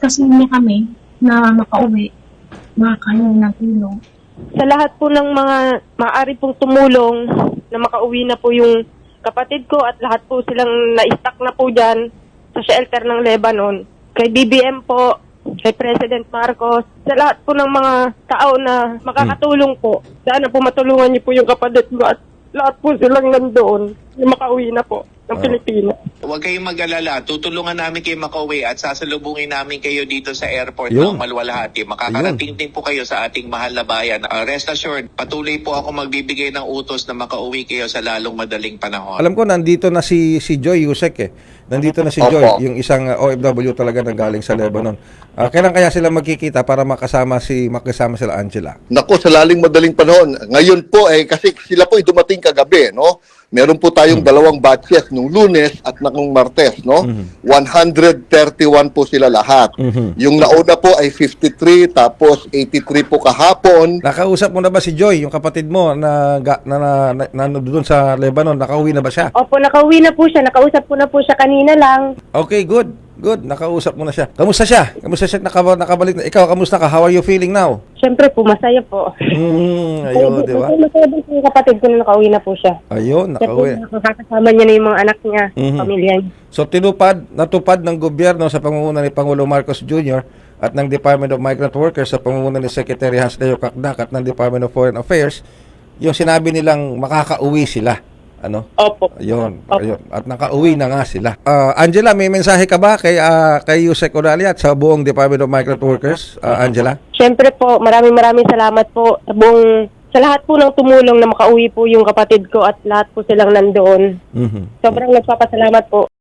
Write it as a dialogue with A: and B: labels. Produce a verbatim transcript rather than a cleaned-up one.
A: kasi niya kami na makauwi, makakain ng tulong.
B: Sa lahat po ng mga maaari pong tumulong na makauwi na po yung kapatid ko at lahat po silang na-stuck na po dyan sa shelter ng Lebanon. Kay B B M po, kay President Marcos, sa lahat po ng mga tao na makakatulong po. Sana po matulungan niyo po yung kapatid ko at lahat po silang nandoon yung makauwi na po ng
C: Oh.
B: Pilipinas.
D: Huwag kayong mag-alala. Tutulungan namin kayo makauwi at sasalubungin namin kayo dito sa airport
C: Yun.
D: ng Malwalhati. Makakarating din po kayo sa ating mahal na bayan. Uh, rest assured, patuloy po ako magbibigay ng utos na makauwi kayo sa lalong madaling panahon.
C: Alam ko nandito na si si Joy Yusek eh. Nandito na si
E: Opo.
C: Joy, yung isang uh, O F W talaga na galing sa Lebanon. Ah, kailan kaya sila magkikita para makasama si makasama sila Angela?
E: Nako, sa laling madaling panahon. Ngayon po, eh, kasi sila po ay dumating kagabi, no? Meron po tayong dalawang batches nung Lunes at nung Martes, no? one hundred thirty-one po sila lahat.
C: Mhm.
E: Yung nauna po ay fifty-three, tapos eighty-three po kahapon.
C: Nakausap mo na ba si Joy, yung kapatid mo na ga- na, na, na, na doon sa Lebanon? Nakauwi na ba siya?
B: Opo, nakauwi na po siya. Nakausap ko na po siya kanina lang.
C: Okay, good. Good. Nakausap mo na siya. Kamusta siya? Kamusta siya nakaba- nakabalik na? Ikaw, kamusta ka? How are you feeling now?
B: Siyempre po, masaya po.
C: Mm, ayun, di ba?
B: Masaya din po yung kapatid ko na nakauwi na po siya.
C: Ayun,
B: Kasi
C: nakauwi.
B: nakakasama niya na yung mga anak niya,
C: Mhm.
B: pamilya niya.
C: So tinupad, natupad ng gobyerno sa pangunguna ni Pangulo Marcos Junior at ng Department of Migrant Workers sa pangunguna ni Secretary Hans Leo Kakdak at ng Department of Foreign Affairs, yung sinabi nilang makakauwi sila. Ano?
B: Opo.
C: Ayun,
B: Opo.
C: ayun. At nakauwi na nga sila. Ah, Angela, may mensahe ka ba kay ah, kay Yusek Oralia at sa buong Department of Migrant Workers, ah, Angela?
B: Siyempre po, maraming maraming salamat po sa buong, sa lahat po ng tumulong na makauwi po yung kapatid ko at lahat po silang nandoon.
C: Mhm.
B: Sobrang nagpapasalamat po.